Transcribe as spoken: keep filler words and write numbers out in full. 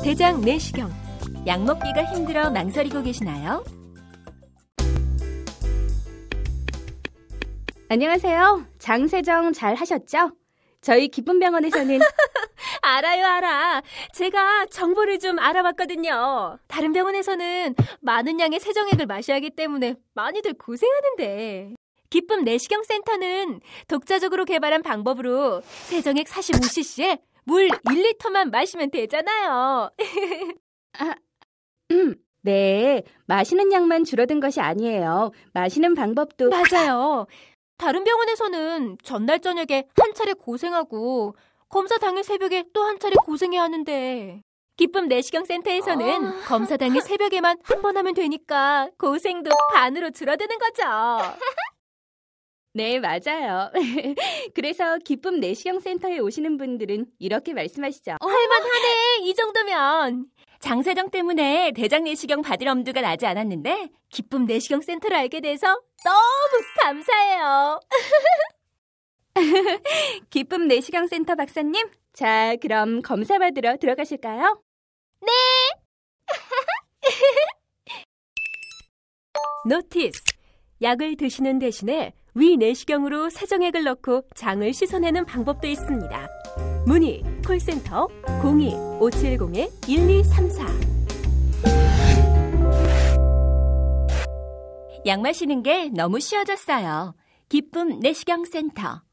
대장 내시경, 약 먹기가 힘들어 망설이고 계시나요? 안녕하세요. 장세정 잘 하셨죠? 저희 기쁨병원에서는 알아요, 알아. 제가 정보를 좀 알아봤거든요. 다른 병원에서는 많은 양의 세정액을 마셔야 하기 때문에 많이들 고생하는데 기쁨 내시경 센터는 독자적으로 개발한 방법으로 세정액 사십오 씨씨에 물 일 리터만 마시면 되잖아요. 아, 네, 마시는 양만 줄어든 것이 아니에요. 마시는 방법도 맞아요. 다른 병원에서는 전날 저녁에 한 차례 고생하고 검사 당일 새벽에 또 한 차례 고생해야 하는데 기쁨 내시경 센터에서는 어... 검사 당일 새벽에만 한 번 하면 되니까 고생도 반으로 줄어드는 거죠. 네, 맞아요. 그래서 기쁨 내시경 센터에 오시는 분들은 이렇게 말씀하시죠. 어, 할만하네, 이 정도면. 장세정 때문에 대장 내시경 받을 엄두가 나지 않았는데 기쁨 내시경 센터를 알게 돼서 너무 감사해요. 기쁨 내시경 센터 박사님, 자, 그럼 검사 받으러 들어가실까요? 네! 노티스! 약을 드시는 대신에 위 내시경으로 세정액을 넣고 장을 씻어내는 방법도 있습니다. 문의 콜센터 공이 오칠공 일이삼사. 약 마시는 게 너무 쉬워졌어요. 기쁨 내시경 센터.